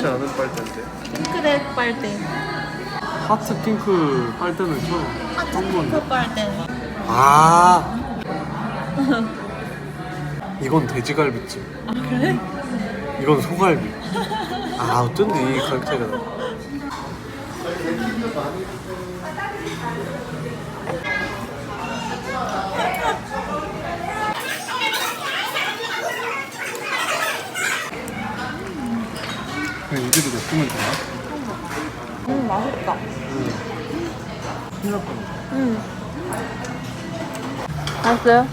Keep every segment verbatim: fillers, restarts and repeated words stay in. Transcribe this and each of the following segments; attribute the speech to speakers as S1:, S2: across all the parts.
S1: 좋지 않은 빨대인데.
S2: 핑크색 빨대.
S1: 하트 핑크 빨대는 처음.
S2: 하트 핑크 빨대.
S1: 아. 이건 돼지갈비찜.
S2: 아 그래?
S1: 이건 소갈비. 아 어쩐지 이 가격 차이가 나. 그냥 이대로 냅두면 되나?
S2: 음 맛있다.
S1: 응. 큰일 날 뻔했어.
S2: 음. 맛있어요?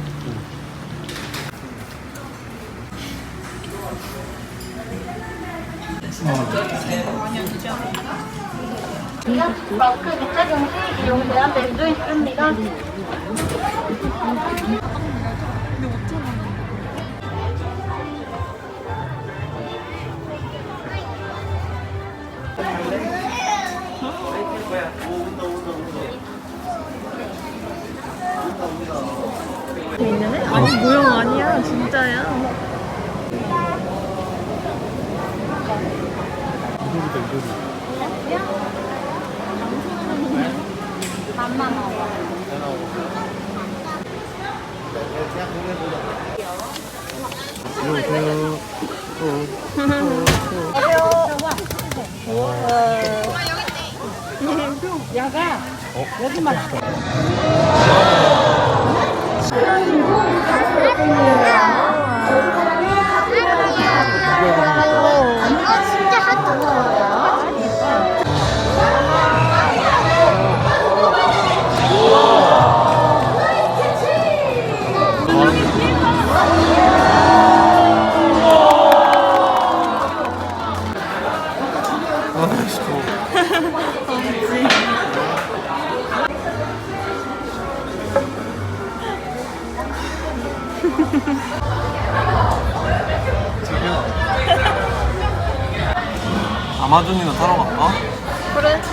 S3: 마스크 밑착용 시 이용 제한 밴드 있습니다.
S2: 있는 애? 아니 모형 아니야 진짜야.
S1: 이거보다 이거지.
S3: 맘만 먹어.
S1: 안녕하세요.
S2: 야가 여기만.
S3: 아 진짜 핫도그야.
S1: 아, 진짜. 아마존이나 타러 갈까?
S2: 그래?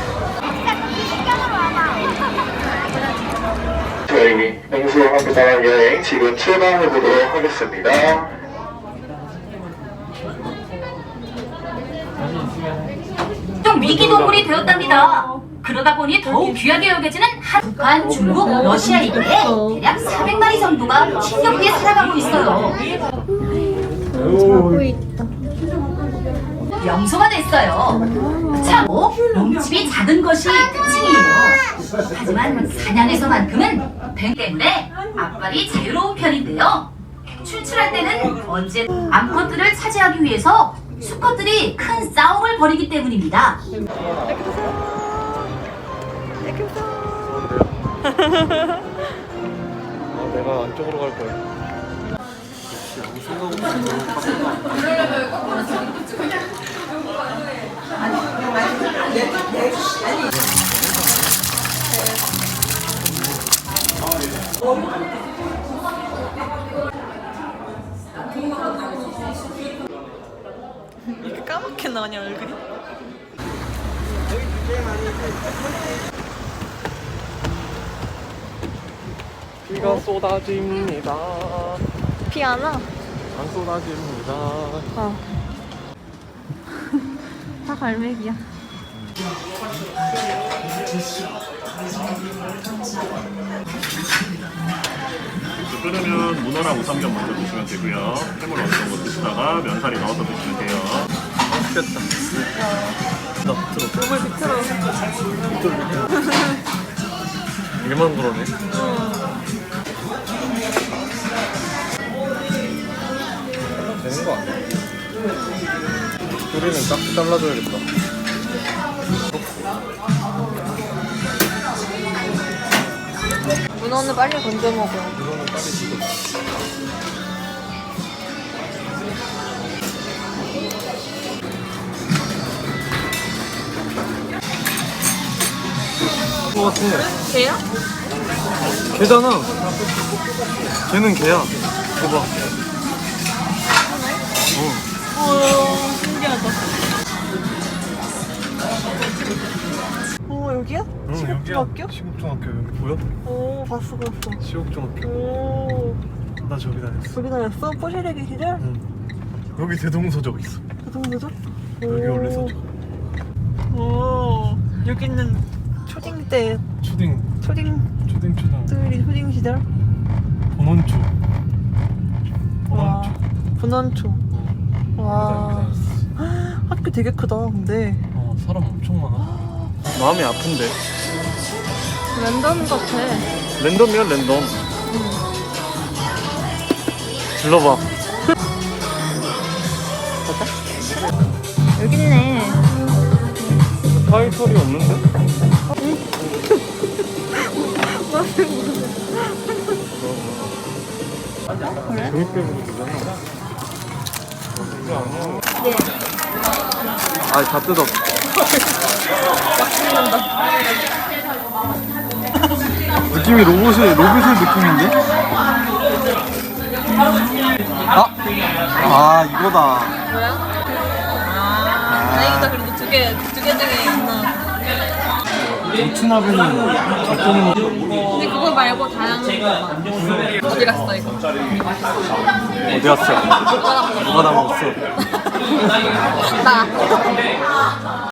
S4: 저희 맹수함께 떠날 여행 지금 출발해 보도록 하겠습니다.
S5: 좀 위기동물이 되었답니다. 그러다 보니 더욱 귀하게 여겨지는 한 북한, 중국, 러시아이기에 대략 사백 마리 정도가 힘겹게 살아가고 있어요.
S2: 자고 있다.
S5: 명소가 됐어요. 참고 몸집이 작은 것이 특징이에요. 하지만 사냥에서만큼은 뱀 때문에 앞발이 자유로운 편인데요. 출출할 때는 언제 암컷들을 차지하기 위해서 수컷들이 큰 싸움을 벌이기 때문입니다.
S1: 아, 내가 안쪽으로 갈 거야. 역시 아무 생각 없이 들어갔다.
S2: 이렇게 까맣게 나냐 얼굴이?
S1: 비가 쏟아집니다.
S2: 비 안 와?
S1: 안 쏟아집니다.
S2: 어. 다 갈매기야.
S6: 끓으면 문어랑 우삼겹 먼저 드시면 되고요. 해물 어느 정도 드시다가 면사리 넣어서 드시면 돼요.
S1: 맛있겠다. 나 밑으로.
S2: 몸을 비틀어.
S1: 밑으로 밑으로. 일만 그러네. 되는 거 아니야? 우리는 깍지 잘라줘야겠다.
S2: 문어는 빨리 건져 먹어.
S1: 이거는 빨리 지금. 것 같아.
S2: 개야?
S1: 개잖아. 걔는 개야. 봐봐. 어.
S2: 오, 신기하다. 오, 여기야?
S1: 응,
S2: 시국중학교?
S1: 여기야. 시국중학교 여기 보여?
S2: 오, 봤어, 봤어.
S1: 시국중학교.
S2: 오,
S1: 나 저기 다녔어.
S2: 저기 다녔어? 포시래기 시절?
S1: 응. 여기 대동서적 있어.
S2: 그 정도죠?
S1: 여기 원래 서죠.
S2: 오, 여기는 초딩 때
S1: 초딩
S2: 초딩
S1: 초딩 초등
S2: 들이 초딩 시절.
S1: 본원초.
S2: 와,
S1: 본원초.
S2: 분원초.
S1: 어.
S2: 와,
S1: 여기다
S2: 학교 되게 크다. 근데
S1: 어 사람 엄청 많아. 마음이 아픈데.
S2: 랜덤 같아.
S1: 랜덤이야 랜덤. 질러봐.
S2: 여기 있네.
S1: 타이틀이 없는데? 그래? 재밌게 보도 되잖아. 이게 아니야. 네. 아, 다 뜯어. 느낌이 로봇의, 로봇의 느낌인데? 아! 아, 이거다.
S2: 다행이다. 그래도 두 개, 두 개 중에 있나.
S1: 고추나베는 작동이
S2: 근데 그거 말고 다양한 거. 어디 갔어 이거?
S1: 어디 갔어? 누가 다 먹었어?
S2: 나.